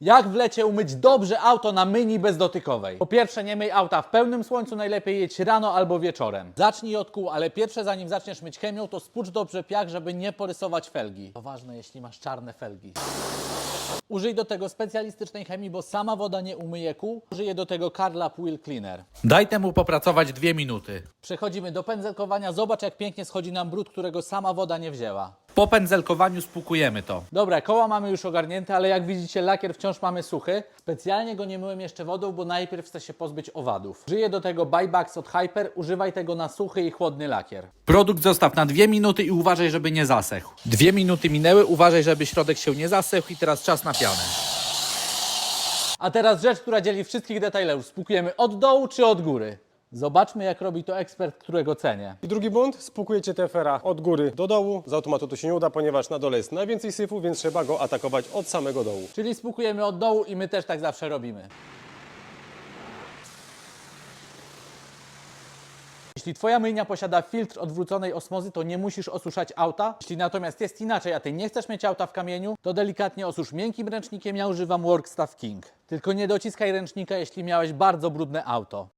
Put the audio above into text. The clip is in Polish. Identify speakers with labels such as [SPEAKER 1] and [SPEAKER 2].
[SPEAKER 1] Jak w lecie umyć dobrze auto na myjni bezdotykowej? Po pierwsze, nie myj auta w pełnym słońcu, najlepiej jedź rano albo wieczorem. Zacznij od kół, ale pierwsze zanim zaczniesz myć chemią, to spłucz dobrze piach, żeby nie porysować felgi. To ważne, jeśli masz czarne felgi. Użyj do tego specjalistycznej chemii, bo sama woda nie umyje kół. Użyję do tego Carlap Wheel Cleaner.
[SPEAKER 2] Daj temu popracować 2 minuty.
[SPEAKER 1] Przechodzimy do pędzelkowania. Zobacz, jak pięknie schodzi nam brud, którego sama woda nie wzięła.
[SPEAKER 2] Po pędzelkowaniu spłukujemy to.
[SPEAKER 1] Dobra, koła mamy już ogarnięte, ale jak widzicie, lakier wciąż mamy suchy. Specjalnie go nie myłem jeszcze wodą, bo najpierw chcę się pozbyć owadów. Użyję do tego Buybugs od Hyper. Używaj tego na suchy i chłodny lakier.
[SPEAKER 2] Produkt zostaw na 2 minuty i uważaj, żeby nie zasechł. 2 minuty minęły, uważaj, żeby środek się nie zasechł i teraz czas na pianę.
[SPEAKER 1] A teraz rzecz, która dzieli wszystkich detailerów. Spłukujemy od dołu czy od góry? Zobaczmy, jak robi to ekspert, którego cenię.
[SPEAKER 3] I drugi błąd, spłukujecie TFR-a od góry do dołu. Z automatu to się nie uda, ponieważ na dole jest najwięcej syfu, więc trzeba go atakować od samego dołu.
[SPEAKER 1] Czyli spłukujemy od dołu i my też tak zawsze robimy. Jeśli Twoja myjnia posiada filtr odwróconej osmozy, to nie musisz osuszać auta. Jeśli natomiast jest inaczej, a Ty nie chcesz mieć auta w kamieniu, to delikatnie osusz miękkim ręcznikiem. Ja używam Workstaff King. Tylko nie dociskaj ręcznika, jeśli miałeś bardzo brudne auto.